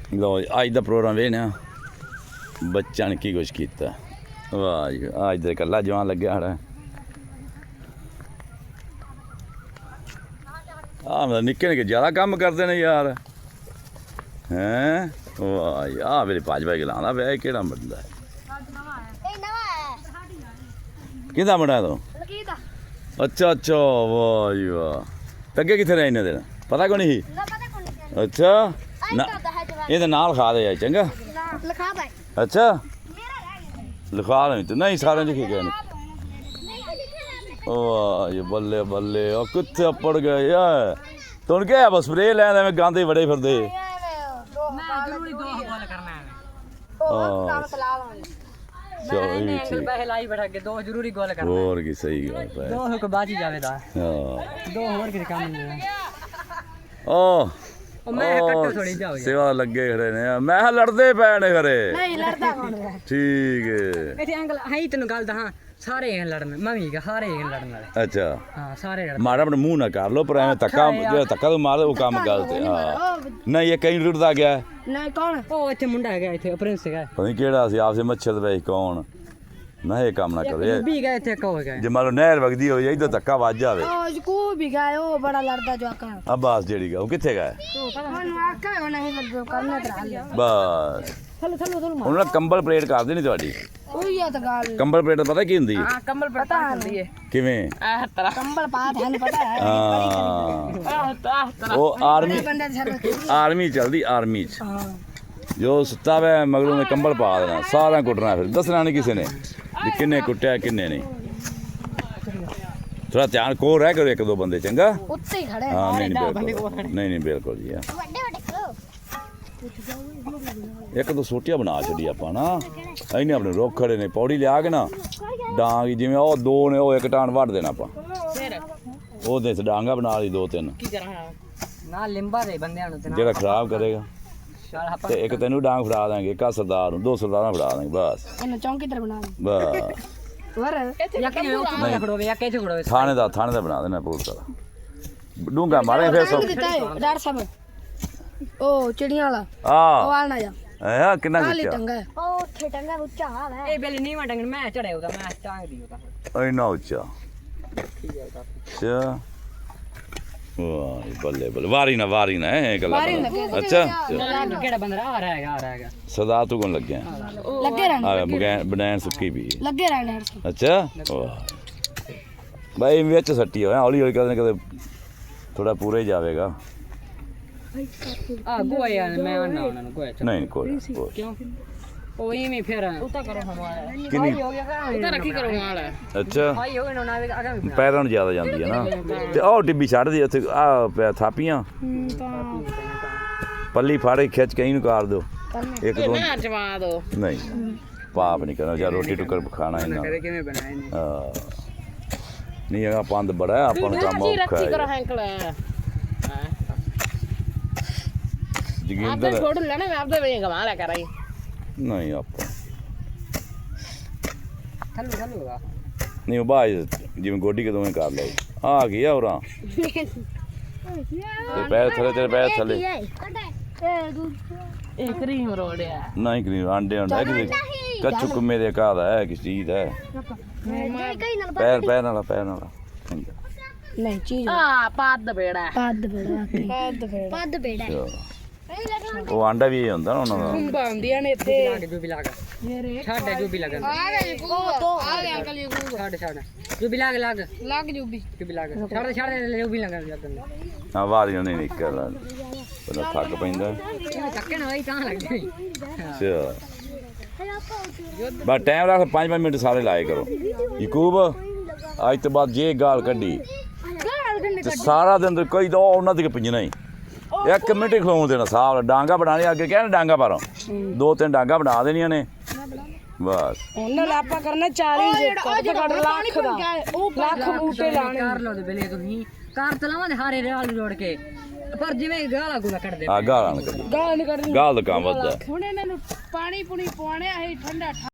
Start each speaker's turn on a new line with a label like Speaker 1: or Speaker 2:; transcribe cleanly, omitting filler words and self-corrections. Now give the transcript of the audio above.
Speaker 1: लो अज का प्रोग्राम वेखने बच्चा ने की कुछ किया। वाह जी अज तो कला जवान लग्या साढ़ा। मतलब निक्के निक्के ज्यादा कम करते हैं यार हैं। वाह जी मेरे भाजपा गलांदा पे केड़ा बंदा है किदा बना तो। अच्छा अच्छा वाह जी वाह अगे कितने रहे इन्ने दिन पता को नहीं। अच्छा ना ये नाल खा दे चंगा। अच्छा लिखा नहीं तो नहीं सारे लिखे गए वाह ये बल्ले बल्ले कितने पड़ गए यार तुम क्या बस स्प्रे लैंदे में गांदे बड़े फिरदे। और की सही सेवा लगे खड़े ने मैं लड़दे पे ने खरे ठीक है
Speaker 2: तेन गल दसा सारे लड़न मैं सारे लड़न वाले।
Speaker 1: अच्छा
Speaker 2: हाँ सारे
Speaker 1: माड़ा अपने मुंह ना कर लो पर एवं धक्का जो धक्का तो मार वो काम गलत है। हाँ नहीं ये कहीं रुड़दा गया
Speaker 2: नहीं कौन ओ इथे मुंडा है इथे प्रिंस है
Speaker 1: पता नहीं केड़ा सी आपसे मच्छर पे कौन ना ये काम ना करे
Speaker 2: भी गए थे को गए
Speaker 1: जे मान लो नहर वगदी हो जाए तो धक्का वज जावे
Speaker 2: ओ को भी गए ओ बड़ा लड़दा जो आका
Speaker 1: अब्बास जेड़ी का वो किथे गए
Speaker 2: मन आका हो नहीं लग करने करा लिया
Speaker 1: बस
Speaker 2: चलो चलो चलो
Speaker 1: ਉਹਨਾਂ ਕੰਬਲ ਪਲੇਟ ਕਰ ਦੇਣੀ ਤੁਹਾਡੀ
Speaker 2: ਉਹੀ ਆ ਤਾਂ ਗੱਲ
Speaker 1: ਕੰਬਲ ਪਲੇਟ ਪਤਾ ਕੀ ਹੁੰਦੀ ਹੈ।
Speaker 2: ਹਾਂ ਕੰਬਲ ਪਤਾ ਹੁੰਦੀ ਹੈ
Speaker 1: ਕਿਵੇਂ
Speaker 2: ਆਹ ਤਰ੍ਹਾਂ ਕੰਬਲ ਪਾ ਤੁਹਾਨੂੰ ਪਤਾ ਹੈ
Speaker 1: ਹਾਂ ਉਹ ਆਰਮੀ ਚੱਲਦੀ ਆਰਮੀ ਚ ਜੋ ਸੁੱਤਾ ਵੇ ਮਗਰੋਂ ਨੇ ਕੰਬਲ ਪਾ ਦੇਣਾ ਸਾਰਾ ਕੁੱਟਣਾ ਫਿਰ ਦੱਸਣਾ ਨਹੀਂ ਕਿਸੇ ਨੇ ਵੀ ਕਿੰਨੇ ਕੁੱਟਿਆ ਕਿੰਨੇ ਨਹੀਂ। ਥੋੜਾ ਧਿਆਨ ਕੋਲ ਰਹਿ ਕਰੋ ਇੱਕ ਦੋ ਬੰਦੇ ਚੰਗਾ
Speaker 2: ਉੱਤੇ ਹੀ ਖੜੇ
Speaker 1: ਹਾਂ ਨਹੀਂ ਬਿਲਕੁਲ ਨਹੀਂ ਬਿਲਕੁਲ ਜੀ
Speaker 2: ਵੱਡੇ ਵੱਡੇ ਕਰੋ
Speaker 1: ਇੱਕ ਦੋ ਸੋਟੀਆਂ ਬਣਾ ਛੱਡੀ ਆਪਾਂ ਨਾ ਇਹਨੇ ਆਪਣੇ ਰੁੱਖ ਖੜੇ ਨੇ ਪੌੜੀ ਲਿਆ ਕੇ ਨਾ ਡਾਂਗ ਜਿਵੇਂ ਉਹ ਦੋ ਨੇ ਉਹ ਇੱਕ ਟਾਣ ਵੱਢ ਦੇਣਾ ਆਪਾਂ ਉਹਦੇ ਚ ਡਾਂਗਾ ਬਣਾ ਲਈ ਦੋ ਤਿੰਨ
Speaker 2: ਕੀ ਕਰਾਂ ਨਾ ਲਿੰਬਾ ਦੇ ਬੰਦਿਆਂ ਨੂੰ ਤੇ
Speaker 1: ਜਿਹੜਾ ਖਰਾਬ ਕਰੇਗਾ ਤੇ ਇੱਕ ਤੈਨੂੰ ਡਾਂਗ ਫੜਾ ਦਾਂਗੇ ਇੱਕ ਸਰਦਾਰ ਨੂੰ ਦੋ ਸਰਦਾਰਾਂ ਫੜਾ ਦਾਂਗੇ ਬਸ
Speaker 2: ਇਹਨੂੰ ਚੌਂਕੀ ਤਰ ਬਣਾ ਦੇ
Speaker 1: ਬਸ
Speaker 2: ਵਰ ਯਾ ਕਿਵੇਂ ਉੱਥੇ ਖੜੋਵੇ ਯਾ ਕਿੱਥੇ ਖੜੋਵੇ
Speaker 1: ਥਾਣੇ ਦਾ ਬਣਾ ਦੇਣਾ ਪੁਲਿਸ ਵਾਲਾ ਡੂੰਗਾ ਮਾਰੇ ਫਿਰ ਸੋ
Speaker 2: ਡਾਕਟਰ ਸਾਹਿਬ ਉਹ ਚਿੜੀਆਂ ਵਾਲਾ ਉਹ
Speaker 1: ਆ
Speaker 2: ਆਣਾ ਜਾ
Speaker 1: ਆ ਕਿੰਨਾ
Speaker 2: ਕਾਲੀ
Speaker 1: ਕੁੱਟਿਆ
Speaker 2: ਟੰਗਾ ਉਹ ਉੱਥੇ ਟੰਗਾ ਉੱਚਾ ਹੈ ਇਹ ਬੇਲੀ ਨੀਵਾ ਟੰਗਣ ਮੈਂ ਚੜਿਆ ਉਹਦਾ ਮੈਂ ਟਾਂਗ ਦੀ ਉਹਦਾ
Speaker 1: ਇੰਨਾ ਉੱਚਾ ਅੱਛਾ ਵਾਹ ਬੱਲੇ ਬੱਲੇ ਵਾਰੀ ਨਾ ਇਹ ਗੱਲਾਂ ਅੱਛਾ
Speaker 2: ਕਿਹੜਾ ਬੰਦਾ ਆ ਰਿਹਾ ਹੈਗਾ
Speaker 1: ਸਦਾ ਤੂੰ ਕੋਣ ਲੱਗਿਆ
Speaker 2: ਲੱਗੇ ਰਹਿਣਾ
Speaker 1: ਆ ਬਨੈਣ ਸੁੱਕੀ ਵੀ
Speaker 2: ਲੱਗੇ ਰਹਿਣਾ
Speaker 1: ਅੱਛਾ ਵਾਹ ਬਾਈ ਵਿੱਚ ਸੱਟੀ ਹੋਇਆ ਹੌਲੀ ਹੌਲੀ ਕਦੇ ਥੋੜਾ ਪੂਰਾ ਹੀ ਜਾਵੇਗਾ।
Speaker 2: ਆ ਗੋਇਆ ਮੈਂ ਆਣਾ ਉਹਨਾਂ ਨੂੰ ਗੋਇਆ
Speaker 1: ਨਹੀਂ ਕੋਈ
Speaker 2: ਕਿਉਂ ਉਹ ਇਵੇਂ ਫਿਰ ਉਤਾ ਕਰੋ ਹਮਾਰਾ
Speaker 1: ਕਿੰਨੀ
Speaker 2: ਹੋ ਗਿਆ ਉਤਾ ਰੱਖੀ ਕਰੋ ਮਾਲ
Speaker 1: ਅੱਛਾ
Speaker 2: ਭਾਈ ਹੋ ਗਿਆ ਨਾ ਅਗਾ
Speaker 1: ਪੈਰਾਂ ਨੂੰ ਜ਼ਿਆਦਾ ਜਾਂਦੀ ਹੈ ਨਾ ਤੇ ਉਹ ਟਿੱਬੀ ਛੱਡਦੀ ਉੱਥੇ ਆ ਥਾਪੀਆਂ ਪੱਲੀ ਫਾੜੇ ਖਿੱਚ ਕੇ ਇਹਨੂੰ ਕਰ ਦਿਓ ਇੱਕ ਦੋ
Speaker 2: ਨਾ ਜਵਾ ਦੋ
Speaker 1: ਨਹੀਂ ਪਾਪ ਨਹੀਂ ਕਰਨਾ ਜਾਂ ਰੋਟੀ ਟੁੱਕਰ ਖਾਣਾ ਇਹਨਾਂ
Speaker 2: ਕਿਵੇਂ ਬਣਾਏ ਨੇ
Speaker 1: ਨਹੀਂ ਹੈਗਾ ਪੰਦ ਬੜਾ ਆਪਾਂ ਨੂੰ ਕੰਮ ਔਖਾ ਹੈ
Speaker 2: आपने छोड़ लेना मैं आपसे वही कमा ला कर आई
Speaker 1: नहीं ਆਪਾਂ
Speaker 2: थल्लू होगा
Speaker 1: ਨਹੀਂ ਉਹ ਬਾਈ ਜਿਵੇਂ ਗੋਡੀ ਕਦੋਂ ਕਰ ਲਓ ਆ ਗਿਆ ਹੋਰਾਂ ਤੇ ਪੈਰ ਥੱਲੇ ਤੇਰੇ ਪੈਰ ਥੱਲੇ
Speaker 2: ਇਹ ਕਰੀਮ ਰੋੜਿਆ
Speaker 1: ਨਹੀਂ ਕਰੀਮ ਆਂਡੇ ਹੁੰਦਾ ਕਿ ਕੱਚੂ ਕੁੰਮੇ ਦੇ ਕਾਹਦਾ ਹੈ ਕਿਸ ਚੀਜ਼ ਹੈ ਪੈਰ ਨਾਲ
Speaker 2: ਨਹੀਂ ਚੀਜ਼ ਆ ਪੱਦ ਬੇੜਾ
Speaker 1: ਉਹ ਆਂਡਾ ਵੀ ਇਹ ਹੁੰਦਾ ਨਾ ਉਹਨਾਂ ਦਾ
Speaker 2: ਕੁੰਬਾ ਹੁੰਦੀਆਂ ਨੇ ਇੱਥੇ ਜੋ ਵੀ ਲਾਗ ਛੱਡ ਜੋ ਵੀ ਲੱਗਣ ਆ ਗਿਆ ਅੰਕਲ ਜੀ ਛੱਡ ਜੋ ਵੀ ਲੱਗ ਜੋ ਵੀ ਛੱਡ ਜੋ ਵੀ ਲੱਗਣ
Speaker 1: ਆ ਵਾਰੀਆਂ ਨਹੀਂ ਨਿਕਲ ਪਹਿਲਾਂ ਥੱਕ ਪੈਂਦਾ
Speaker 2: ਥੱਕੇ ਨਾ ਹੋਈ ਤਾਂ ਲੱਗਦੀ
Speaker 1: ਅੱਛਾ ਬਸ ਟਾਈਮ ਰੱਖ 5 ਮਿੰਟ ਸਾਰੇ ਲਾਏ ਕਰੋ ਯਕੂਬ ਅੱਜ ਤੋਂ ਬਾਅਦ ਜੇ ਗਾਲ ਕੱਢੀ ਤੇ ਸਾਰਾ ਦਿਨ ਕੋਈ ਤਾਂ ਉਹਨਾਂ ਦੇ ਪਿੰਜਣਾ ਹੀ ਇੱਕ ਮਿੰਟ ਹੀ ਖਲੋਣ ਦੇਣਾ ਸਾਹ ਡਾਂਗਾ ਬਣਾਣੇ ਅੱਗੇ ਕਹਿੰਦੇ ਡਾਂਗਾ ਪਾਰੋ ਦੋ ਤਿੰਨ ਡਾਂਗਾ ਬਣਾ ਦੇਣੀਆਂ ਨੇ ਬਸ
Speaker 2: ਉਹਨਾਂ ਲਾਪਾ ਕਰਨਾ 40 ਲੱਖ ਦਾ ਲੱਖ ਬੂਟੇ ਲਾਣੇ ਕਰ ਲਓ ਤੇ ਬਲੇ ਤੁਸੀਂ ਕਾਰ ਚਲਾਵਾਂ ਦੇ ਹਾਰੇ ਰੇਲ ਜੋੜ ਕੇ ਪਰ ਜਿਵੇਂ ਗਾਲਾਂ ਗੁਲਾ ਕੱਢਦੇ
Speaker 1: ਆ ਗਾਲਾਂ ਨਹੀਂ ਕੱਢਣੀ ਗਾਲ ਦਾ ਕੰਮ ਵੱਧਦਾ
Speaker 2: ਹੁਣ ਇਹਨਾਂ ਨੂੰ ਪਾਣੀ ਪੁਣੀ ਪਵਾਉਣੇ ਆ ਠੰਡਾ